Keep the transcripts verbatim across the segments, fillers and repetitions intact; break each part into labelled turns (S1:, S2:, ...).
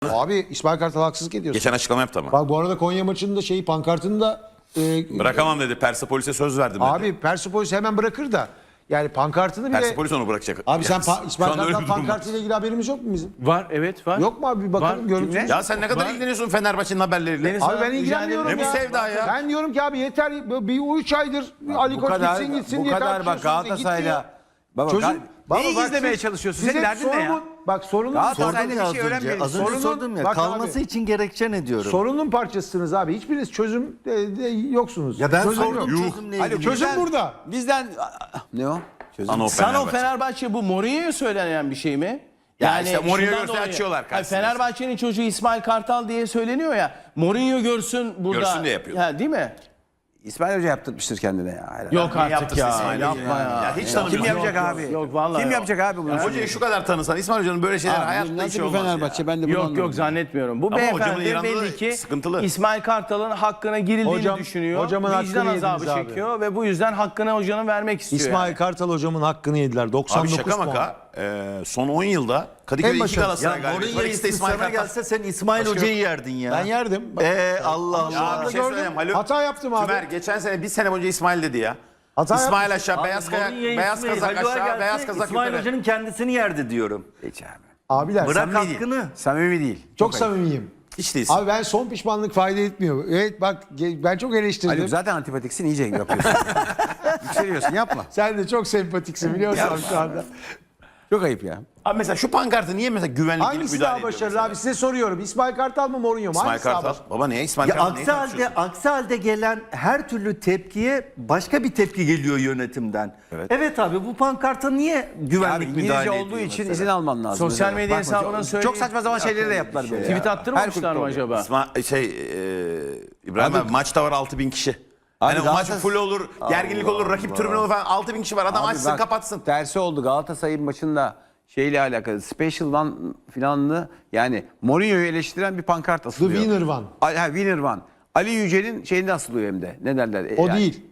S1: Abi İsmail Kartal haksızlık ediyorsun.
S2: Geçen açıklama yaptı ama.
S1: Bak bu arada Konya maçında şeyi pankartını da e,
S2: Bırakamam dedi. Persepolis'e söz verdim dedi.
S1: abi Persepolis hemen bırakır da yani pankartını bile
S2: Persepolis onu bırakacak.
S1: abi sen
S2: Yani
S1: pa- İsmail
S2: şu anda öyle
S1: Kartal
S2: bir durum var.
S1: pankartıyla ilgili haberimiz yok mu bizim?
S3: Var, evet var.
S1: Yok mu abi bir bakalım
S3: Var.
S1: görüntü.
S2: Ya sen ne kadar ilgileniyorsun Fenerbahçe'nin haberleriyle?
S3: Deniz-
S1: Abi
S3: Sana
S1: ben ilgilenmiyorum
S2: Ne bu
S1: ya.
S2: sevda ya?
S1: Ben diyorum ki abi yeter bir üç aydır Ali
S4: Bu
S1: Koç
S4: kadar,
S1: gitsin gitsin
S4: bu
S1: diye
S4: kadar bak
S1: tartışıyorsunuz. E,
S4: Galatasaray'la.
S1: gitti
S4: Baba,
S1: ya.
S4: Gal-
S1: Çözüm. Baba
S4: Neyi
S1: bak
S4: izlemeye
S1: siz-
S4: çalışıyorsun?
S1: size
S4: Senin derdin ne ya?
S1: sorunun- Bak sorunun
S4: Galatasaray'da
S1: sorunun,
S4: bir şey öğrenmeyelim.
S5: Az önce
S1: Sorunun-
S5: sordum ya,
S1: bak
S5: kalması
S1: abi.
S5: için gerekçe ne diyorum?
S1: sorunun parçasısınız abi. Hiçbiriniz çözüm de, de yoksunuz.
S5: Ya ben
S1: Çözüm
S5: sordum
S1: yok.
S5: çözümle
S4: Hadi
S5: ilgili.
S1: Çözüm
S4: bizden-
S1: burada.
S4: Bizden ne o? Çözüm.
S2: Ano
S3: Sana o
S2: Fenerbahçe.
S3: Fenerbahçe bu Mourinho'ya söylenen bir şey mi?
S2: Ya işte Mourinho
S3: şundan
S2: görse
S3: dolayı-
S2: açıyorlar
S3: Hayır,
S2: karşısına.
S3: Fenerbahçe'nin çocuğu İsmail Kartal diye söyleniyor ya. Mourinho görsün burada.
S2: Görsün diye yapıyor.
S3: Ha, değil mi?
S4: İsmail Hoca yaptırmıştır kendine ya. Hayır.
S3: Yok artık
S2: yaptırsın
S3: ya.
S2: İsmail
S3: Yapma
S2: Hoca
S3: ya.
S2: ya. Hiç
S4: Kim
S2: tanımıyorum.
S4: yapacak
S3: Yok,
S4: abi?
S3: yok, vallahi
S4: Kim
S3: yok.
S4: yapacak abi bunu?
S2: Hocayı şu kadar tanısan İsmail Hoca'nın böyle şeyler hayatta hiç
S4: Nasıl bir
S2: olmaz
S4: Fenerbahçe?
S2: ya.
S4: Ben de bunu
S3: Yok
S4: anlamadım.
S3: yok zannetmiyorum. Bu
S2: Ama hocamın
S3: beyefendi
S2: yanında da
S3: belli ki
S2: sıkıntılı.
S3: İsmail Kartal'ın hakkına girildiğini
S1: Hocam-
S3: düşünüyor.
S1: hocamın hakkını
S3: Vicdan azabı
S1: yediniz abi.
S3: çekiyor ve bu yüzden hakkını hocanın vermek istiyor.
S1: İsmail
S3: yani.
S1: Kartal hocamın hakkını yediler. doksan
S2: Abi
S1: dokuz
S2: şaka
S1: puan.
S2: maka e, son on yılda Kadıköy'de
S1: En
S2: iki
S1: başarılı.
S2: Galatasaray
S5: Ya
S2: galibiyeti var.
S5: Mourinho
S2: İkisi de
S5: ismi
S2: İsmail
S5: sana
S2: Kartal.
S5: gelse sen İsmail
S2: Başka-
S5: Hoca'yı yerdin ya.
S1: Ben yerdim. Bak,
S5: Eee Allah Allah.
S2: Ya bir şey
S1: gördüm.
S2: söyleyeyim. Haluk,
S1: Hata yaptım abi.
S2: Tümer geçen sene bir sene boyunca İsmail dedi ya.
S1: Hata
S2: İsmail
S1: yapmış.
S2: aşağı, beyaz, kayak, beyaz kazak aşağı, beyaz kazak
S5: İsmail
S2: yukarı.
S5: Hoca'nın kendisini yerdi diyorum.
S4: Hiç abi.
S1: Abiler
S5: Bırak
S1: samimi değil.
S5: hakkını.
S4: Samimi değil.
S1: Çok samimiyim.
S2: Hiç değilsin.
S1: Abi ben son pişmanlık fayda etmiyor. Evet bak ge- ben çok eleştirdim.
S4: Haluk zaten antipatiksin iyice yapıyorsun. Yükseliyorsun yapma.
S1: Sen de çok sempatiksin biliyorsun şu anda.
S4: Çok ayıp ya.
S2: Abi mesela şu pankartı niye mesela güvenlik gelip
S1: Hangisi
S2: müdahale
S1: daha
S2: ediyor
S1: başarılı
S2: mesela?
S1: abi size soruyorum. İsmail Kartal mı Mourinho mu?
S2: İsmail
S1: Hangisi daha
S2: Kartal.
S1: başarılı?
S2: Baba niye İsmail
S5: Ya
S2: Kartal? Neyi
S5: aksi halde,
S2: tartışıyorsun?
S5: aksi halde gelen her türlü tepkiye başka bir tepki geliyor yönetimden. Evet, abi bu pankarta niye
S4: Abi
S5: güvenlik
S4: İngilizce
S5: müdahale
S4: olduğu
S5: ediyor
S4: için
S5: mesela?
S4: izin alman lazım.
S3: Sosyal
S4: Mesela.
S3: medya
S4: Bakma,
S3: hesabına
S4: çok-
S3: söyle-
S4: Çok saçma zaman şeyleri de yaptılar böyle.
S3: Tweet
S4: ya.
S3: attırmamışlar
S4: Her
S3: mı
S4: kulüpte oluyor.
S3: acaba?
S2: İsmail, şey e, İbrahim abi, maçta var altı bin kişi.
S4: Abi
S2: Hani o maç
S4: Galatasaray-
S2: full olur, gerginlik olur, rakip tribün olur falan altı bin kişi var. Adam
S4: Abi
S2: açsın
S4: bak,
S2: kapatsın.
S4: Tersi oldu Galatasaray'ın maçında şeyle alakalı Special One filanlı yani Mourinho'yu eleştiren bir pankart
S1: The
S4: asılıyor.
S1: Winner One.
S4: Ali, ha, Winner One. Ali Yücel'in şeyinde asılıyor hem de. Ne derler?
S1: O
S4: Yani-
S1: değil.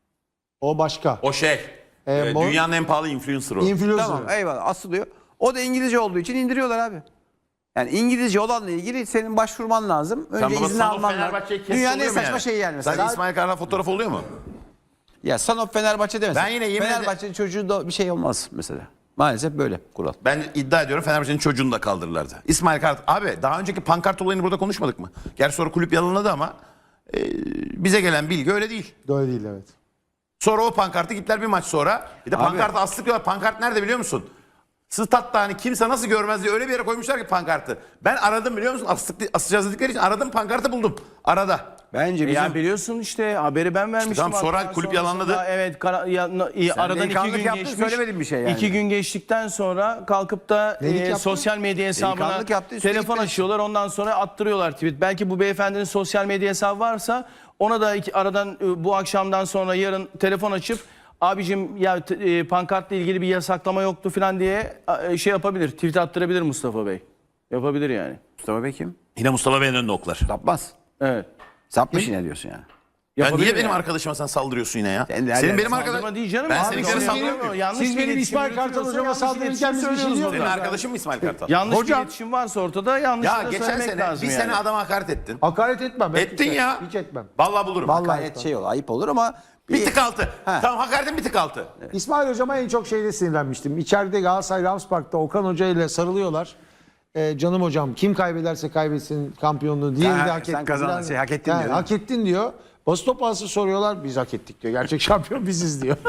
S1: O başka.
S2: O şey,
S1: Ee,
S2: e,
S1: Mor-
S2: dünyanın en pahalı influencer o.
S1: Influencer.
S4: Tamam eyvallah asılıyor. O da İngilizce olduğu için indiriyorlar abi. Yani İngilizce olanla ilgili senin başvurman lazım. Önce
S2: Sen baba
S4: izin
S2: Son of
S4: alman lazım.
S2: Fenerbahçe'ye kes
S4: Dünyanın en
S2: oluyor mu
S4: saçma
S2: yani?
S4: şeyi yani mesela.
S2: Sen İsmail Kartal fotoğrafı oluyor mu?
S4: Ya Son of Fenerbahçe demesin.
S2: Ben yine yemin ederim-
S4: Fenerbahçe'nin çocuğu da bir şey olmaz mesela. Maalesef böyle kural.
S2: Ben iddia ediyorum Fenerbahçe'nin çocuğunu da kaldırırlardı. İsmail Kartal. Abi daha önceki pankart olayını burada konuşmadık mı? Gerçi sonra kulüp yalanladı ama e, bize gelen bilgi öyle değil.
S1: Öyle değil evet.
S2: Sonra o pankartı gittiler bir maç sonra. Bir de
S4: Abi-
S2: pankartı astıklıyorlar. Pankart nerede biliyor musun? Statta hani kimse nasıl görmez diye öyle bir yere koymuşlar ki pankartı. Ben aradım biliyor musun? Astık, asacağız dedikleri için aradım pankartı buldum. Arada.
S4: Bence
S3: E
S4: bizim
S3: Ya biliyorsun işte haberi ben vermiştim.
S2: tamam, sonra
S3: hatta
S2: kulüp
S3: sonrasında.
S2: yalanladı.
S3: Evet kara, ya, no- i- aradan iki
S4: delikanlılık
S3: gün
S4: yaptın,
S3: geçmiş.
S4: söylemedin bir şey yani.
S3: İki gün geçtikten sonra kalkıp da
S1: Nelik
S3: e,
S1: yaptın?
S3: sosyal medya hesabına
S4: Delikanlılık yaptı, üstelik
S3: telefon
S4: de-
S3: açıyorlar. Ondan sonra attırıyorlar tweet. Belki bu beyefendinin sosyal medya hesabı varsa ona da iki, aradan e, bu akşamdan sonra yarın telefon açıp abicim ya t- e, pankartla ilgili bir yasaklama yoktu falan diye e, şey yapabilir. Tweet attırabilir Mustafa Bey. Yapabilir yani.
S4: Mustafa Bey kim?
S2: Yine Mustafa Bey'in önünde oklar.
S4: Sapmaz.
S3: Evet.
S4: Sapmış yine diyorsun yani.
S2: Ya
S3: Yapabilir
S2: niye benim
S3: yani.
S2: arkadaşıma sen saldırıyorsun yine ya?
S4: Sen de her
S2: Senin
S4: yerde
S2: benim
S3: Saldırma
S2: arkadaşım.
S3: değil canım.
S2: Ben
S3: Abi
S2: seninkilere
S3: siz
S2: saldırıyorum.
S3: benim-
S2: muyum?
S3: yanlış
S1: Siz
S3: bir
S1: benim
S3: iletişim
S1: İsmail Kartal
S3: yürütüyorsa
S1: hocama
S3: yanlış
S1: saldırırken biz bir şey
S3: iletişim
S1: diyoruz.
S2: Senin
S3: söylüyoruz.
S2: arkadaşın mı İsmail Kartal?
S3: Yanlış
S1: Hocam-
S3: bir iletişim varsa ortada yanlış
S2: Ya
S3: da
S2: geçen
S3: söylemek
S2: sene
S3: lazım
S2: bir
S3: yani.
S2: sene adama hakaret ettin.
S1: Hakaret etmem. Ben
S2: Ettin
S1: hiç-
S2: ya.
S1: Hiç etmem.
S2: Vallahi bulurum.
S1: Vallahi
S4: Gayet
S1: etmem.
S4: şey ol, ayıp olur ama
S2: Bir tık altı.
S4: Ha.
S2: Tamam hakaretin bir tık altı.
S1: İsmail Hocam'a en çok şeyde sinirlenmiştim. İçeride Galatasaray Rams Park'ta Okan Hoca ile sarılıyorlar. Ee, canım hocam kim kaybederse kaybetsin şampiyonluğu. Diğeri
S4: Ha,
S1: de hak
S4: sen
S1: etti.
S4: kazandın,
S1: Falan.
S4: şey, hak ettin
S1: Ha,
S4: diyor.
S1: Hak ettin diyor. Basın toplantısı soruyorlar. Biz hak ettik diyor. Gerçek şampiyon biziz diyor.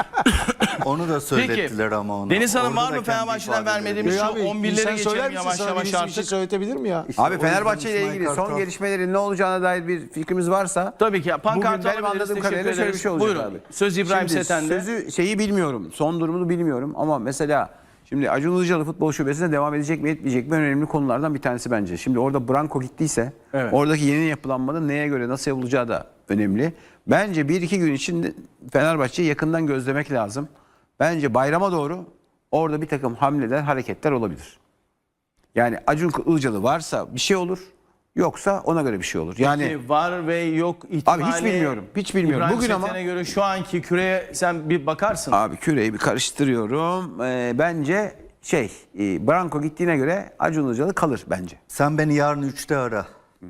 S5: Onu da söylettiler
S3: Peki,
S5: ama ona.
S3: Deniz Hanım
S5: Orada
S3: var
S5: da
S3: mı
S5: kendi
S3: Fenerbahçe'den
S5: ifadeleri.
S3: vermediğimiz şu
S1: Abi,
S3: on birlere
S1: insan söyler
S3: geçelim
S1: misin?
S3: yavaş
S1: Sana
S3: yavaş
S1: birisi bir şey
S3: artık.
S1: söyletebilir mi ya?
S4: Abi
S5: O
S4: Fenerbahçe ile
S5: yüzden
S4: ilgili
S5: İsmail
S4: son
S5: Kartal-
S4: gelişmelerin ne olacağına dair bir fikrimiz varsa
S3: Tabii ki. Pankart
S4: bugün benim
S3: alabiliriz,
S4: anladığım
S3: teşekkür
S4: kadarıyla şöyle bir
S3: ederiz.
S4: şey olacak
S3: Buyurun.
S4: abi.
S3: Söz İbrahim
S4: Şimdi
S3: Seten'de.
S4: Sözü şeyi bilmiyorum. Son durumunu bilmiyorum ama mesela şimdi Acun Ilıcalı futbol şubesine devam edecek mi etmeyecek mi önemli konulardan bir tanesi bence. Şimdi orada Branko gittiyse
S3: Evet.
S4: oradaki yeni yapılanmanın neye göre nasıl yapılacağı da önemli. Bence bir iki gün için Fenerbahçe'yi yakından gözlemek lazım. Bence bayrama doğru orada bir takım hamleler, hareketler olabilir. Yani Acun Ilıcalı varsa bir şey olur. Yoksa ona göre bir şey olur. Yani
S3: Peki, var ve yok ihtimali.
S4: Abi hiç bilmiyorum, hiç bilmiyorum.
S3: İbrahim
S4: Bugün ama-
S3: Seten'e göre şu anki küreye sen bir bakarsın.
S4: abi küreyi bir karıştırıyorum. Ee, bence şey e, Branko gittiğine göre Acun Ilıcalı kalır bence.
S5: Sen beni yarın üçte ara.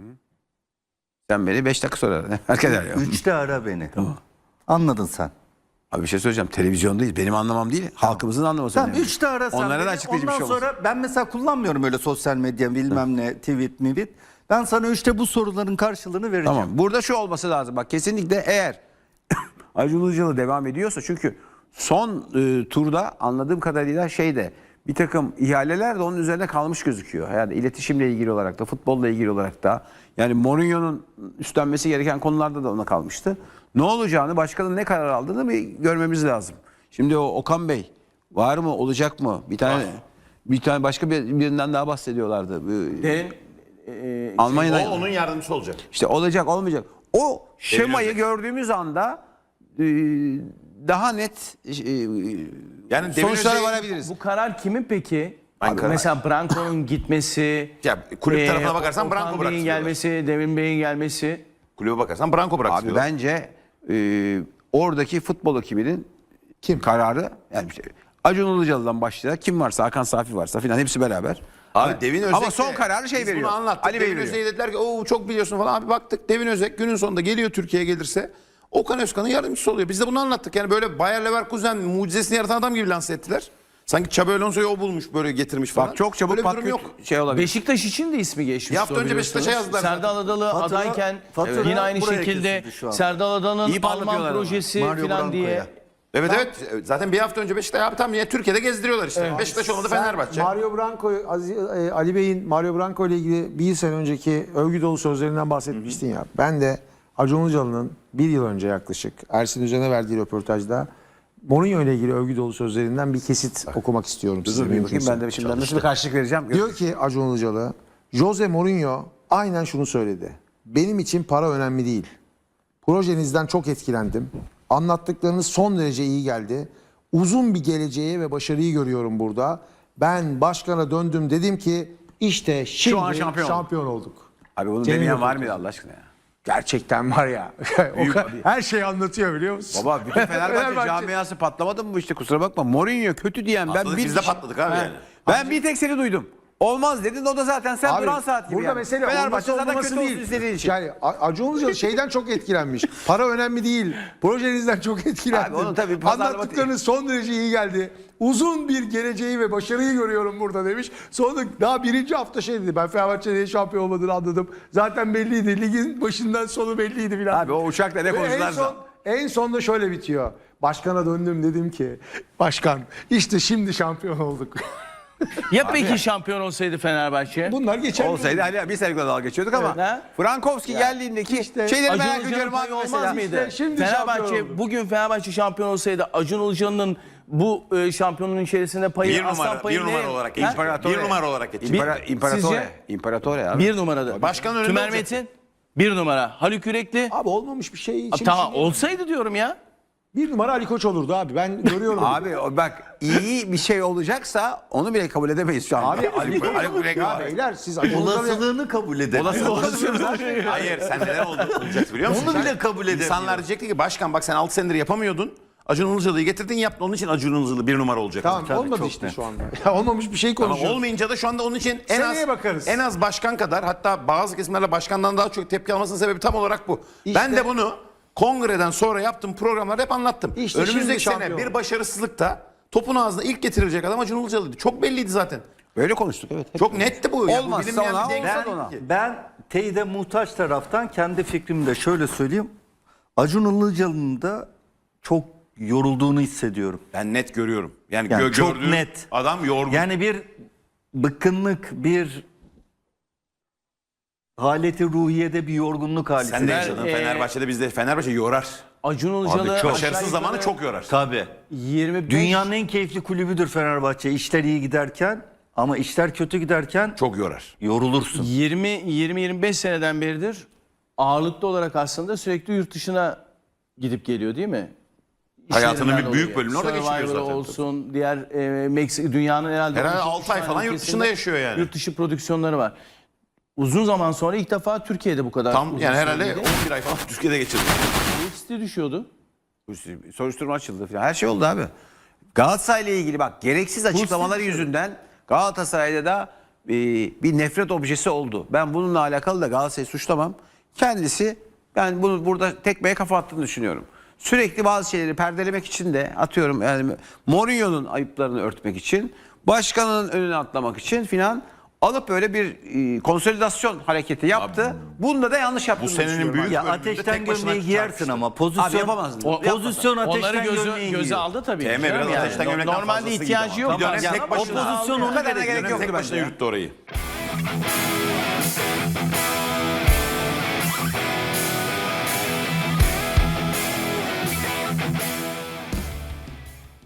S4: Sen beni beş dakika sonra ara. Herkes arıyor.
S5: Üçte ara beni. Anladın sen.
S4: Abi bir şey söyleyeceğim. Televizyondayız. Benim anlamam değil. Halkımızın anlaması
S5: Tamam
S4: önemli.
S5: üçte ara sen
S4: Onlara
S5: beni.
S4: da açıklayıcı bir
S5: Ondan
S4: şey olmasın.
S5: sonra ben mesela kullanmıyorum öyle sosyal medya bilmem ne tweet mivit. Ben sana üçte bu soruların karşılığını vereceğim.
S4: Tamam. Burada şu olması lazım. Bak kesinlikle eğer Acun Ilıcalı devam ediyorsa çünkü son e, turda anladığım kadarıyla şeyde bir takım ihaleler de onun üzerine kalmış gözüküyor. Yani iletişimle ilgili olarak da futbolla ilgili olarak da yani Mourinho'nun üstlenmesi gereken konularda da ona kalmıştı. Ne olacağını başkanın ne karar aldığını bir görmemiz lazım. Şimdi o Okan Bey var mı olacak mı? Bir tane bir tane başka bir, birinden daha bahsediyorlardı. Bu-
S3: Derin, e,
S4: Almanya'da
S2: O onun yardımcısı olacak.
S4: işte olacak olmayacak. O şemayı
S2: Özek.
S4: gördüğümüz anda e, daha net e,
S2: Yani Devin
S4: sonuçlara
S2: Özek'in-
S4: varabiliriz.
S3: bu karar kimin peki?
S2: Hangi karar?
S3: Mesela Branko'nun gitmesi,
S2: Ya kulüp
S3: e,
S2: tarafına bakarsan
S3: Okan
S2: Branko
S3: Bey'in
S2: bıraktırıyorlar.
S3: gelmesi, Devin Bey'in gelmesi.
S2: Kulübe bakarsan Branko
S4: Abi
S2: bıraktırıyor.
S4: bence e, oradaki futbol ekibinin kim kararı yani bir şey, Acun Ilıcalı'dan başlayarak kim varsa Hakan Safi varsa filan hepsi beraber.
S2: Abi Devin Özek
S4: Ama
S2: de-
S4: son kararı şey
S2: biz
S4: veriyor.
S2: Bunu anlattık.
S4: Ali Bey
S2: Devin
S4: veriyor.
S2: Özek'e dediler ki o çok biliyorsun falan. Abi baktık Devin Özek günün sonunda geliyor Türkiye'ye gelirse Okan Özkan'ın yardımcısı oluyor. Biz de bunu anlattık. Yani böyle Bayer Leverkusen mucizesini yaratan adam gibi lanse ettiler. Sanki Xabi Alonso'yu o bulmuş böyle getirmiş falan.
S4: Bak çok çabuk
S2: Böyle bir durum
S4: pat
S2: yok.
S4: şey olabilir.
S3: Beşiktaş için de ismi geçmiş.
S2: Bir hafta önce Beşiktaş'a yazdılar zaten.
S3: Serdal Adalı
S5: Fatura-
S3: adayken
S5: fatura
S3: yine aynı
S5: buraya
S3: şekilde
S5: kesildi şu an.
S3: Serdal Adalı'nın
S4: İyi
S3: Alman
S4: parlatıyorlar ama.
S3: projesi
S5: Mario
S3: falan diye.
S5: Branco'ya.
S2: Evet evet. Zaten bir hafta önce Beşiktaş abi tam yine Türkiye'de gezdiriyorlar işte. Beşiktaş olmadı
S1: Sen
S2: Fenerbahçe.
S1: Mario Branco, Aziz- e, Ali Bey'in Mario Branco ile ilgili bir sene önceki övgü dolu sözlerinden bahsetmiştin ya. Ben de Acun Ilıcalı'nın bir yıl önce yaklaşık Ersin Üzen'e verdiği röportajda Mourinho ile ilgili övgü dolu sözlerinden bir kesit okumak istiyorum size.
S4: Dur bir bakayım
S1: mümkünse.
S4: ben de şimdi nasıl bir karşılık vereceğim.
S1: Diyor ki Acun Ilıcalı, Jose Mourinho aynen şunu söyledi. Benim için para önemli değil. Projenizden çok etkilendim. Anlattıklarınız son derece iyi geldi. Uzun bir geleceği ve başarıyı görüyorum burada. Ben başkana döndüm dedim ki işte şimdi
S4: an şampiyon
S1: şampiyon, olduk.
S4: Abi bunu
S1: Senin
S4: demeyen
S1: yok
S4: var
S1: ortada.
S4: mıydı Allah aşkına ya?
S1: Gerçekten var ya. O kadar- her şeyi anlatıyor biliyor musun?
S4: Baba bütün Fenerbahçe,
S1: Fenerbahçe-
S4: camiası patlamadı mı bu işte kusura bakma. Mourinho kötü diyen ben
S2: Patladık,
S4: bir
S2: biz de patladık abi yani.
S4: Ben bir tek seni duydum. Olmaz dedin o da zaten sen
S1: Abi,
S4: duran saat gibi.
S1: burada
S4: yani.
S1: mesele
S4: Fenerbahçe
S1: olması
S4: zaten
S1: olmaması
S4: kötü olsun
S1: değil.
S4: istediğin için.
S1: Yani A- Acun Ilıcalı şeyden çok etkilenmiş. Para önemli değil. Projenizden çok etkilendim.
S4: Abi onu tabii pazarlama-
S1: Anlattıklarınız son derece iyi geldi. Uzun bir geleceği ve başarıyı görüyorum burada demiş. Sonra daha birinci hafta şey dedi. Ben Fenerbahçe'nin şampiyon olmadığını anladım. Zaten belliydi. Ligin başından sonu belliydi filan.
S4: Abi o uçakla ne
S1: Ve en
S4: konuştularsa.
S1: son, en sonda şöyle bitiyor. Başkana döndüm dedim ki başkan işte şimdi şampiyon olduk.
S3: Ya peki şampiyon olsaydı Fenerbahçe?
S1: Bunlar geçer.
S4: Olsaydı hani bir senelikle dalga geçiyorduk ama
S3: Evet, ha?
S4: Frankowski geldiğindeki
S1: işte
S4: şeyleri
S3: Acun
S4: merak
S3: Ilıcalı'nın
S4: ediyorum abi
S3: payı olmaz
S4: mesela.
S3: mıydı?
S1: İşte şimdi şampiyon
S3: Fenerbahçe
S1: oldu.
S3: bugün Fenerbahçe şampiyon olsaydı Acun Ilıcalı'nın bu e, şampiyonun içerisinde payı
S2: Bir
S3: aslan
S2: numara,
S3: payı
S2: bir
S3: ne?
S2: numara olarak
S3: Ha?
S2: geçti.
S4: İmparator.
S2: Bir numara olarak geçti.
S4: İmpara,
S3: Bir-
S4: İmparatore.
S3: sizce?
S4: İmparatore abi.
S3: Bir numarada.
S2: Başkan önünde
S3: Tümer
S2: olacak.
S3: Metin bir numara. Haluk Yürekli.
S1: Abi olmamış bir şey için.
S3: Tamam
S1: bir şey değil.
S3: olsaydı diyorum ya.
S1: Bir numara Ali Koç olurdu abi. Ben görüyorum.
S4: Abi o bak iyi bir şey olacaksa onu bile kabul edemeyiz şu an.
S1: Abi
S4: Ali, Ali, Ali Kurek
S1: ya
S4: abi.
S1: beyler siz Acun Ilıcalı'ya-
S5: Olasılığını kabul edelim.
S2: Hayır sen neler oldu olacaktı biliyor musun?
S5: Onu
S2: Sen-
S5: bile kabul edemiyor.
S2: İnsanlar diyecekti ki başkan bak sen altı senedir yapamıyordun. Acun Ilıcalı'yı getirdin yaptın. Onun için Acun Ilıcalı bir numara olacak.
S1: Tamam
S5: Tabii,
S1: olmadı
S5: çok
S1: işte
S5: net.
S1: şu anda. Ya olmamış bir şey
S2: Ama
S1: konuşuyoruz.
S2: olmayınca da şu anda onun için en
S1: Seneye
S2: az
S1: bakarız.
S2: en az başkan kadar hatta bazı kesimlerle başkandan daha çok tepki almasının sebebi tam olarak bu.
S1: İşte-
S2: ben de bunu kongreden sonra yaptığım programlarda hep anlattım.
S1: İşte şimdi
S2: Önümüzdeki sene
S1: şampiyon.
S2: bir başarısızlıkta topun ağzına ilk getirilecek adam Acun Ilıcalı'ydı. Çok belliydi zaten.
S4: Böyle konuştuk evet. hep.
S2: Çok netti bu. Yani bu
S4: Olmazsa
S2: bilinmeyen
S4: ona,
S2: bir denk-
S4: olsa
S5: Ben,
S4: da ona.
S5: ben teyide muhtaç taraftan kendi fikrimi de şöyle söyleyeyim. Acun Ilıcalı'nın da çok yorulduğunu hissediyorum.
S2: Ben net görüyorum. Yani,
S5: Yani
S2: gö-
S5: çok
S2: gördüğüm
S5: net.
S2: adam yorgun.
S5: Yani bir bıkkınlık, bir haleti ruhiyede bir yorgunluk hali.
S2: Sen de
S3: Ben,
S2: yaşadın
S3: e,
S2: Fenerbahçe'de bizde. Fenerbahçe yorar.
S3: Acun Ilıcalı
S5: çok.
S2: Başarısız zamanı çok yorar.
S5: Tabii.
S3: yirmi beş
S5: Dünyanın en keyifli kulübüdür Fenerbahçe. İşler iyi giderken ama işler kötü giderken
S2: Çok yorar.
S5: yorulursun.
S3: yirmi yirmi yirmi beş seneden beridir ağırlıklı olarak aslında sürekli yurt dışına gidip geliyor değil mi?
S2: Hayatının
S3: İşlerinden
S2: bir büyük
S3: dolayı.
S2: bölümünü orada geçiriyor
S3: Survivor'ı
S2: zaten.
S3: olsun, diğer e, Meksika dünyanın herhalde
S2: Herhalde
S3: on
S2: altı ay
S3: tane
S2: falan yurt
S3: ülkesinde
S2: dışında yaşıyor yani.
S3: Yurt dışı prodüksiyonları var. Uzun zaman sonra ilk defa Türkiye'de bu kadar
S2: Tam
S3: uzun
S2: yani herhalde
S3: süreli.
S2: on bir ay falan Türkiye'de geçirdi.
S3: Listi düşüyordu.
S4: Soruşturma açıldı falan. Her şey oldu abi. Galatasaray'la ilgili bak gereksiz açıklamaları yüzünden Galatasaray'da da e, bir nefret objesi oldu. Ben bununla alakalı da Galatasaray'ı suçlamam. Kendisi ben bunu burada tekmeye kafa attığını düşünüyorum. Sürekli bazı şeyleri perdelemek için de atıyorum yani Mourinho'nun ayıplarını örtmek için, başkanın önüne atlamak için filan alıp böyle bir e, konsolidasyon hareketi yaptı. Bunda da yanlış yaptığını
S2: senenin
S4: düşünüyorum.
S2: büyük
S4: abi.
S5: Ya
S2: bölümünde
S5: ateşten
S2: tek başına
S5: gömleği giyersin
S2: çarpıştı.
S5: ama
S4: Abi
S5: pozisyon
S4: yapamazdın.
S3: O-
S5: pozisyon ateşten
S3: Onları gözü,
S5: gömleği
S3: göze
S5: giyiyor.
S3: aldı tabii.
S2: Emre biraz
S3: Yani
S2: ateşten gömlekten
S3: normalde
S2: fazlasıydı
S3: ihtiyacı
S2: ama.
S3: yok.
S2: Bir dönem
S3: aslında
S2: tek
S3: ama
S2: başına-
S3: o pozisyon
S5: Tamam,
S3: onu
S5: o kadarına
S3: gerekiyor.
S4: gerek yok
S2: Tek
S4: bence
S2: başına
S4: ya.
S2: yürüttü orayı.